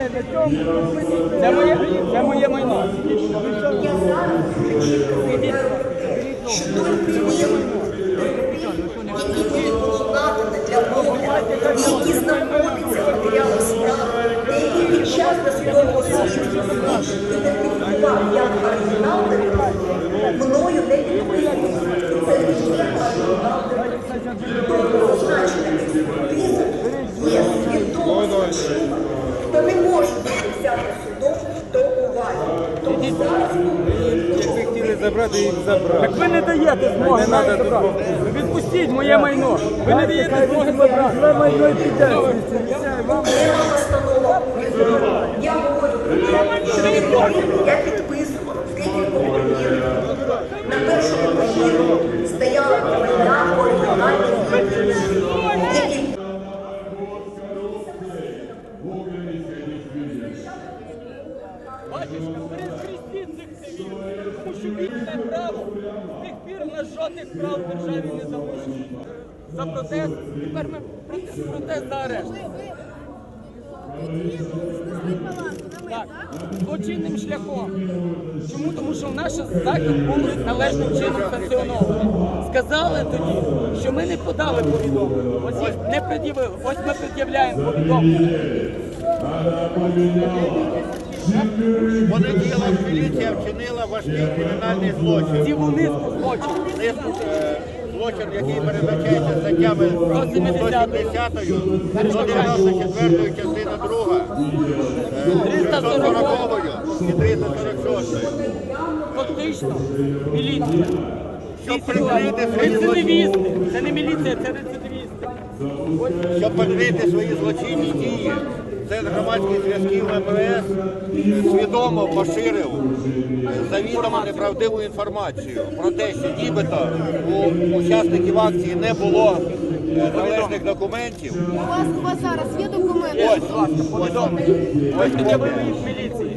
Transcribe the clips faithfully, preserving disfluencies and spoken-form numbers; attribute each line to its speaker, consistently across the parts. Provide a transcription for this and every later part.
Speaker 1: Це моє, це моє майно.
Speaker 2: Я зараз що тільки є які було надано для огляду, які знаходяться в матеріалах справи, деякі під час досудового слідства ідентифікував як оригінал документу, мною не підписано. Це не є оригінал документу. Тобто означена експертиза є свідомо. Хто не може бути взяти судом до уваги. Тому зараз
Speaker 3: Якби хотіли забрати, їх забрали.
Speaker 1: Так ви не даєте змоги нам забрати. Відпустіть моє майно. Ви не даєте змоги забрати. Ви майно і підете.
Speaker 2: Я говорю про те, я підписувала декілька папірів. На першому папірі стояла моя оригінальна відповідь.
Speaker 1: Батюшка, перехрестіть цих цивілів, тому що вільне право з тих пір у нас жодних прав в державі не залишилось. За протест, тепер ми протест, протест за арешт. Так, злочинним шляхом. Чому? Тому що наш захід був належним чином санкціонований. Сказали тоді, що ми не подали повідомлення. Ось їх не пред'явили. Ось ми пред'являємо повідомлення.
Speaker 4: Понеділок міліція вчинила важкий кримінальний злочин.
Speaker 1: Цілу низку злочинів.
Speaker 4: Низку, е, злочин, який передбачається статтями сто сімдесятою, сто дев'яносто четвертою, частина друга, триста сорокою і триста сорок шостою.
Speaker 1: Фактично, міліція.
Speaker 4: Щоб прикрити свої
Speaker 1: Рецидивісти.
Speaker 4: злочинні,
Speaker 1: Це не міліція, це рецидивісти.
Speaker 4: щоб прикрити свої злочинні дії, Центр громадських зв'язків ем ве ес свідомо поширив завідомо неправдиву інформацію про те, що нібито у учасників акції не було належних документів.
Speaker 5: У вас, у вас зараз є документи?
Speaker 4: Ось, повідомлення. Ось
Speaker 1: Пред'явили
Speaker 4: копія.
Speaker 1: їх міліції.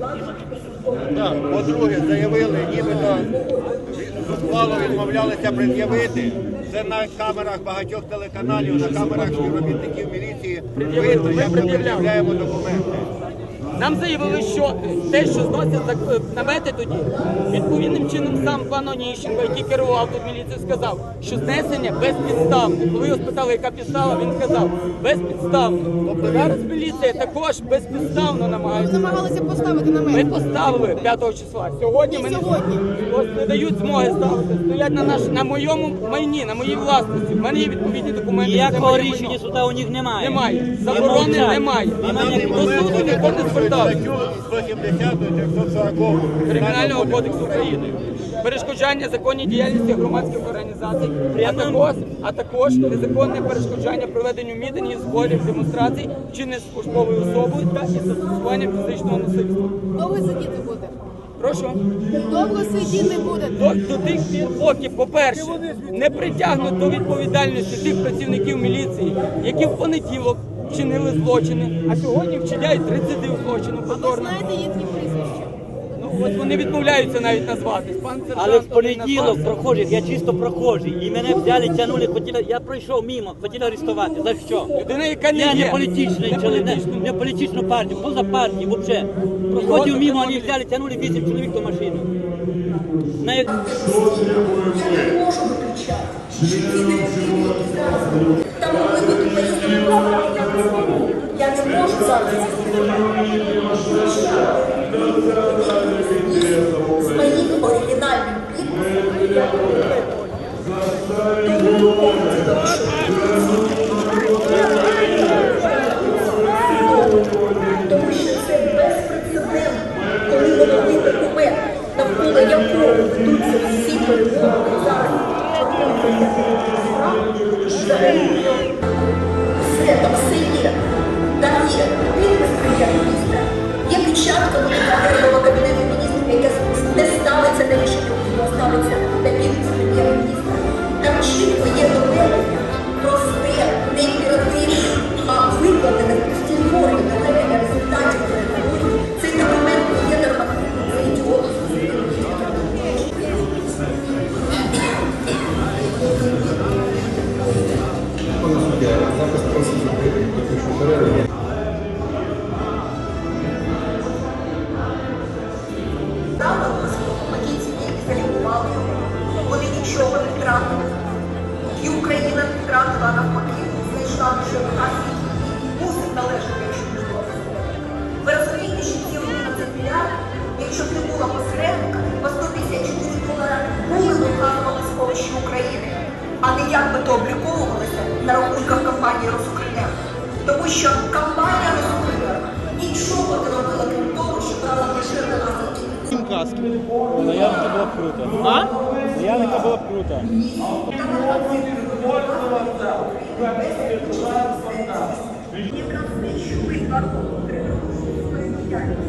Speaker 4: Так, по-друге, заявили, нібито зухвало відмовлялися пред'явити. Це на камерах багатьох телеканалів, на камерах співробітників міліції видно, як ми пред'являємо документи.
Speaker 1: Нам заявили, що те, що зносять намети тоді, відповідним чином сам пан Оніщенко, який керував тут міліцією, сказав, що знесення безпідставне. Коли його спитали, яка підстава, він сказав, безпідставне. Тобто зараз міліція також безпідставно
Speaker 5: Ви
Speaker 1: намагається.
Speaker 5: намагалися поставити
Speaker 1: Ми
Speaker 5: намет.
Speaker 1: поставили п'ятого числа. Сьогодні ми не,
Speaker 5: Сьогодні.
Speaker 1: ось не дають змоги ставити. Стоять на, наш, на моєму майні, на моїй власності. В мене є відповідні документи. це
Speaker 6: Ніякого
Speaker 1: моє
Speaker 6: рішення
Speaker 1: майно.
Speaker 6: суда у них немає.
Speaker 1: Немає. Заборони немає.
Speaker 4: На даний
Speaker 1: До
Speaker 4: момент
Speaker 1: суду
Speaker 4: вони
Speaker 1: ніхто не
Speaker 4: порушують
Speaker 1: звертався.
Speaker 4: статтю сто сімдесяту і трьохсот сорокову
Speaker 1: Кримінального кодексу України. Перешкоджання законній діяльності громадських організацій, а також, а також незаконне перешкоджання проведенню мітингів, зборів, демонстрацій, вчинення службовою особою та і застосування фізичного насильства.
Speaker 5: Довго сидіти буде?
Speaker 1: Прошу.
Speaker 5: Довго сидіти буде?
Speaker 1: До, до тих пір, поки, по-перше, не притягнуть до відповідальності тих працівників міліції, які в понеділок вчинили злочини, а сьогодні вчиняють рецидив злочину
Speaker 5: А ви
Speaker 1: повторно.
Speaker 5: знаєте їхні прізвища?
Speaker 1: Ну, от вони відмовляються навіть назватись. Пан сержант
Speaker 6: Але в
Speaker 1: один
Speaker 6: понеділок
Speaker 1: назвався.
Speaker 6: прохожих, я чисто прохожий, і мене взяли, тягнули, хотіли, я пройшов мимо, хотіли арестувати. За що?
Speaker 1: Людина, яка не
Speaker 6: Я
Speaker 1: є.
Speaker 6: не політичний
Speaker 1: Не
Speaker 6: чоловік,
Speaker 1: політичний.
Speaker 6: не політичну партію, поза партію, взагалі. Проходив мимо, вони взяли, тягнули вісім чоловік до машини. На як-
Speaker 2: Я не можу виключати, що ці негативні, які зараз будуть, там могли бути поїздки. Я не можу зараз це з моїм оригінальним підписом я тому що це безпрецедентно, коли головний документ, навколо якого ведуться всі перемоги зараз. Все, там все є. Там є підпис прем'єр-міністра, є печатка головного кабінету міністрів, яка не ставиться на рішення, а ставиться на підпис прем'єр-міністра. Там чітко є доведення просте, що нас мусить належати, якщо не було посередника. Ви розумієте, що ці одинадцять мільярдів, якщо б не було посередника, по сто п'ятдесят чотири долара були б вказували сховищі України, а не як би то обліковувалося на рахунках компанії «Росукренерго». Тому що компанія «Росукренерго» нічого не робила, крім того, що брала поширена нас.
Speaker 3: Каски. Наявника було б круто.
Speaker 1: А?
Speaker 3: Наявника було б круто.
Speaker 2: Якраз не чули два роки.